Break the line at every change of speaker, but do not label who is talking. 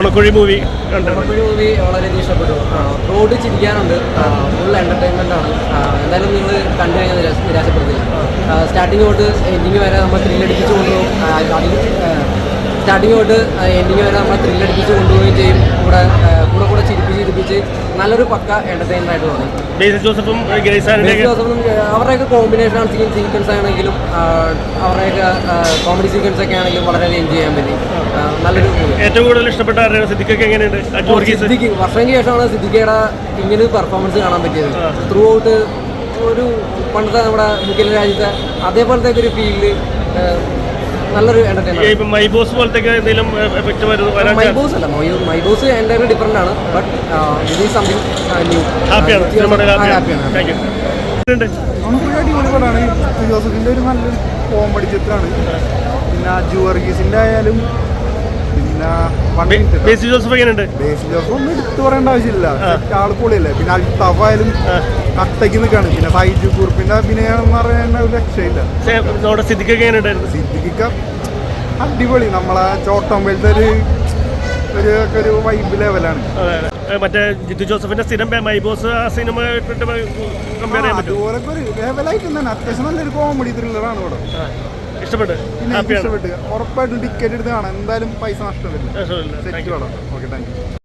ബ്രഹ്മക്കുഴി movie
ബ്രഹ്മക്കുഴി movie വളരെയധികം ഇഷ്ടപ്പെട്ടു. Road ചിരിക്കാനുണ്ട്, full entertainment ആണ്. എന്തായാലും നിങ്ങൾ കണ്ടു കഴിഞ്ഞാൽ നിരാശപ്പെടുത്തില്ല. സ്റ്റാർട്ടിങ് തൊട്ട് എൻഡിങ് വരെ നമ്മൾ ത്രില്ലടിപ്പിച്ച് കൊണ്ടുപോകും. സ്റ്റാർട്ടിങ് തൊട്ട് എൻഡിങ് വരെ നമ്മൾ ത്രില്ലടിപ്പിച്ച് കൊണ്ടുപോവുകയും ചെയ്യും. കൂടെ ചിരിപ്പിച്ച് നല്ലൊരു പക്ക എൻ്റർടൈൻമെൻ്റ് ആയിട്ട് തോന്നി.
ബേസിൽ ജോസഫും
അവരുടെയൊക്കെ കോമ്പിനേഷൻ സീക്വൻസ് ആണെങ്കിലും അവരുടെയൊക്കെ കോമഡി സീക്വൻസ് ഒക്കെ ആണെങ്കിലും വളരെയധികം എൻജോയ് ചെയ്യാൻ പറ്റി. നല്ലൊരു
ഏറ്റവും കൂടുതൽ ഇഷ്ടപ്പെട്ട സിദ്ദിഖൊക്കെ എങ്ങനെയുണ്ട്?
സിദ്ദിഖ് വർഷങ്ങൾക്ക് ശേഷമാണ് സിദ്ദിഖയുടെ ഇങ്ങനെ പെർഫോമൻസ് കാണാൻ പറ്റിയത്. ത്രൂ ഔട്ട് ഒരു പണ്ടത്തെ നമ്മുടെ മുഖ്യ രാജ്യത്തെ അതേപോലത്തെ ഒരു ഫീൽഡ് നല്ലൊരു എന്റർടൈൻമെന്റ്.
മൈബോസ് പോലത്തെ എന്തെങ്കിലും എഫക്ട് വരുന്നു?
മൈബോസ് അല്ല, മൈബോസ് എൻ്റയർലി ഡിഫറെന്റ് ആണ്. But this is something new.
ഹാപ്പിയാണ്.
അടിപൊളിപടാണ്. ജോസഫിന്റെ ഒരു നല്ലൊരു കോമഡി ചിത്രമാണ്. പിന്നെ അജു വർഗീസിന്റെ ആയാലും പിന്നെ
ബേസിൽ ജോസഫ് എങ്ങനെയുണ്ട്?
ബേസിൽ ജോസഫ് ഒന്നും എടുത്തു പറയേണ്ട ആവശ്യമില്ല, ആൾ പൊളിയല്ലേ. പിന്നെ അൽത്താഫ് ആയാലും കട്ടയ്ക്ക് നിൽക്കാണ്. പിന്നെ സൈജു കുറുപ്പിന്റെ അഭിനയം എന്ന് പറയുന്ന ഒരു രക്ഷയില്ല.
സിദ്ദിഖൊക്കെ എങ്ങനെയുണ്ടായിരുന്നു?
സിദ്ദിഖ അടിപൊളി. നമ്മളെ ചോട്ടമ്പലത്തെ ഒരു വൈബ് ലെവലാണ്.
മറ്റേ ജിത്തു ജോസഫിന്റെ സ്ഥിരം മൈബോസ് ആ സിനിമ
അതുപോലൊക്കെ ഒരു ലെവലായിട്ട് തന്നെ അത്യാവശ്യം നല്ലൊരു കോമഡി ത്രില്ലറാണ് ഇവിടെ.
ഇഷ്ടപ്പെട്ട്
ഉറപ്പായിട്ടും ടിക്കറ്റ് എടുത്ത് കാണാം. എന്തായാലും പൈസ നഷ്ടമില്ല. Okay, thank you.